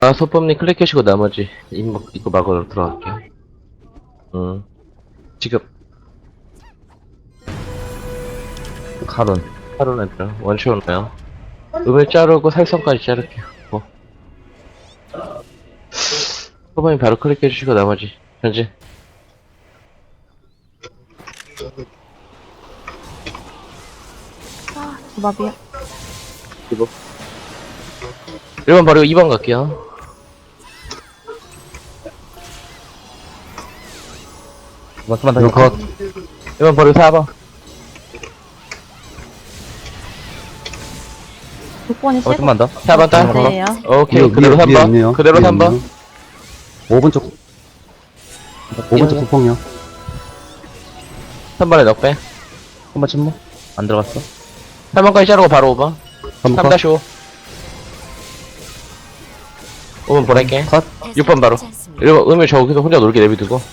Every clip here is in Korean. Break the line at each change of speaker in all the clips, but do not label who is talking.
아, 소품님 클릭해주시고 나머지 입고 막으러 들어갈게요. 지금
칼은
하루 애들 원쇼 나요. 음을 자르고 살성까지 자를게요. 소품님 바로 클릭해주시고 나머지 현재
조밥이요.
이거 1번 버리고 2번 갈게요.
맞만 더
이거 컷.
1번 버리고 4번
6번이 세
좀만 더
4번 딸.
번째예요.
오케이
위에,
그대로
위에
3번
있네요.
그대로
위에
3번
있네요. 5번 쪽, 5번 쪽 소폭이요.
3번에 넉배
한번 침묵 안 들어갔어
3번까지 자르고 바로 5번
3번 컷.
3-5 5번 보낼게
컷
6번 바로 1번 음을 저기서 혼자 놀게 내비두고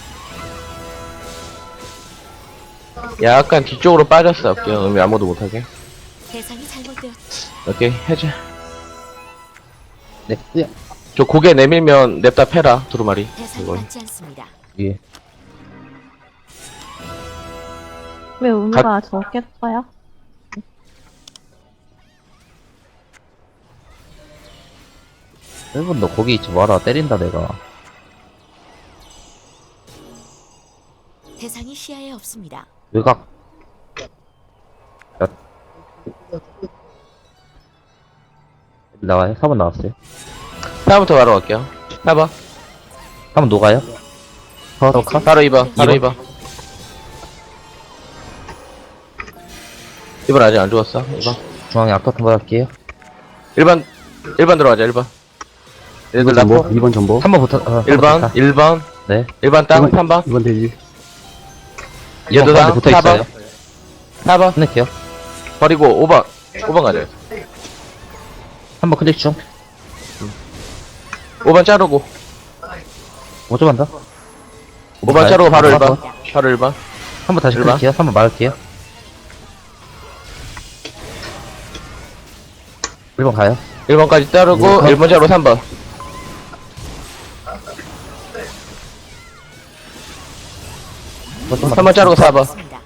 약간 뒤쪽으로 빠졌어 할게요. 음이 아무도 못하게
대상이 잘못되었지.
오케이 해제
네 예.
저 고개 내밀면 냅다 패라 두루마리
대상이
이거
맞지 않습니다.
예
왜 우누가 적겠어요?
일본 너 거기 있지 마라 때린다 내가
대상이 시야에 없습니다.
외곽 나와요? 4번 나왔어요
4번부터 바로 갈게요 4번
4번 녹아요?
바로 2번 바로 2번 2번 아직 안 죽었어 2번
중앙에 아까 한번 할게요
1번 1번 들어가자 1번 얘들
2번 전보,
나포
2번 전보.
3번 붙어
1번 1번
네
1번 땅 3번
2번 돼지.
얘도 땅
붙어 있어요
4번
끝낼게요
버리고 5번 가자
3번 클릭 중
5번 자르고
5점 한다
5번 자르고 바로
아,
1번 바로 1번
3번 다시
일반.
클릭해요 3번 막을게요 1번 가요
1번까지 자르고 1번 자르고 3번 3번 자르고 4번
없습니다.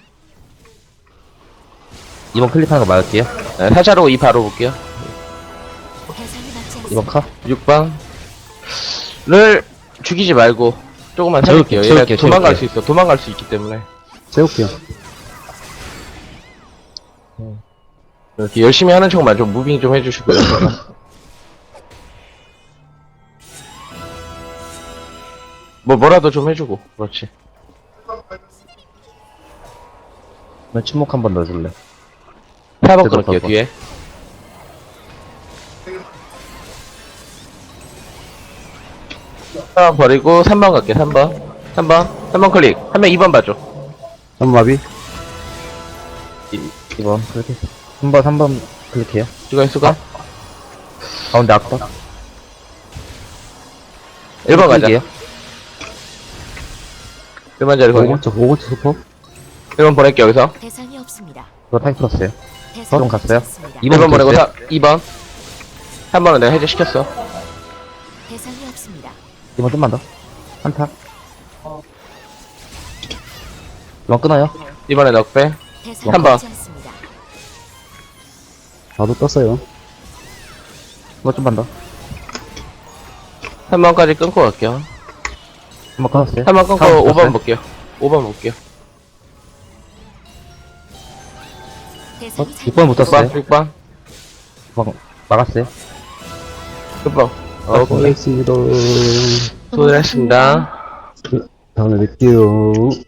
2번 클릭하는 거 막을게요
네, 4 자르고 2 바로 볼게요
대상이 맞지
2번
않습니다.
카
6번을 죽이지 말고 조금만
채울게요,
살릴게요. 얘가
채울게요,
도망갈
채울게요.
수 있어. 도망갈 수 있기 때문에
세울게요.
이렇게 열심히 하는 척만 좀 무빙 좀 해주시고요. 뭐라도 좀 해주고 그렇지.
그러면 침묵 한 번 넣어줄래
4번
제대로
그럴게요
봐봐.
뒤에. 4번 버리고 3번 갈게 3번 클릭. 한 명 2번 봐줘.
3번 마비.
2번 클릭해 3번 클릭해요
수가
가운데 아까
1번 가자.
클릭해요.
1번 자리 거기.
5번 쪽, 5번 쪽 소폭.
1번 보낼게 여기서.
대상이 없습니다.
그거 타임 풀었어요
대상이
좀 갔어요?
맞지 않습니다.
2번 보내고
됐어요?
2번. 3번은 내가 해제시켰어.
대상이 없습니다.
2번 좀만 더 한타 2번 끊어요
2번에 넉배.
대상이
한 번.
맞지 않습니다.
나도 떴어요.
2번 좀만 더
3번까지 끊고 갈게요.
3번 끊었어요
3번 끊고
3번
5번
끊었어요?
볼게요. 5번 볼게요.
대상이
6번 붙었어요
6번.
6번 막았어요
6번. 오케이.
알겠습니다.
수고하셨습니다.
다음에 뵐게요.